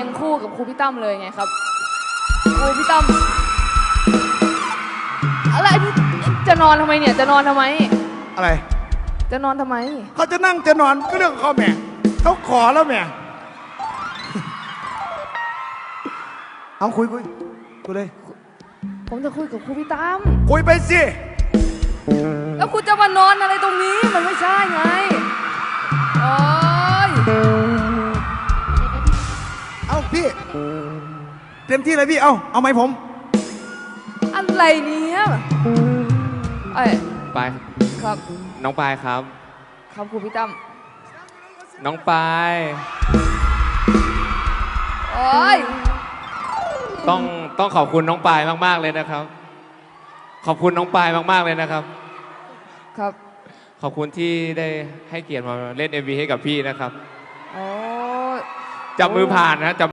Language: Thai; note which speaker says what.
Speaker 1: งคู่กับครูพี่ตั้มเลยไงครับครูพี่ตั้มอะไรจะนอนทำไมเนี่ยจะนอนทำไม
Speaker 2: อะไร
Speaker 1: จะนอนทำไม
Speaker 2: เขาจะนั่งจะนอนก็เรื่องของเขาแม่เขาขอแล้วแม่เอาคุยเลย
Speaker 1: ผมจะคุยกับครูพี่ตั้ม
Speaker 2: คุยไปสิ
Speaker 1: แล้วคุณจะมานอนอะไรตรงนี้มันไม่ใช่ไงโอ้ย
Speaker 2: เอาพี่เต็มที่เลยพี่เอาไหมผม
Speaker 1: อะไรเนี่ยเอ้ย
Speaker 3: ปาย
Speaker 1: ครับ
Speaker 3: น้องปายครับ
Speaker 1: ครับครูพี่ตั้ม
Speaker 3: น้องปาย
Speaker 1: โอ้ย
Speaker 3: ต้องขอบคุณน้องปายมากๆเลยนะครับ ขอบคุณน้องปายมากๆเลยนะครับ
Speaker 1: ครับ
Speaker 3: ขอบคุณที่ได้ให้เกียรติมาเล่น MV ให้กับพี่นะครับ
Speaker 1: โอ้ย
Speaker 3: จับมือผ่านนะจับ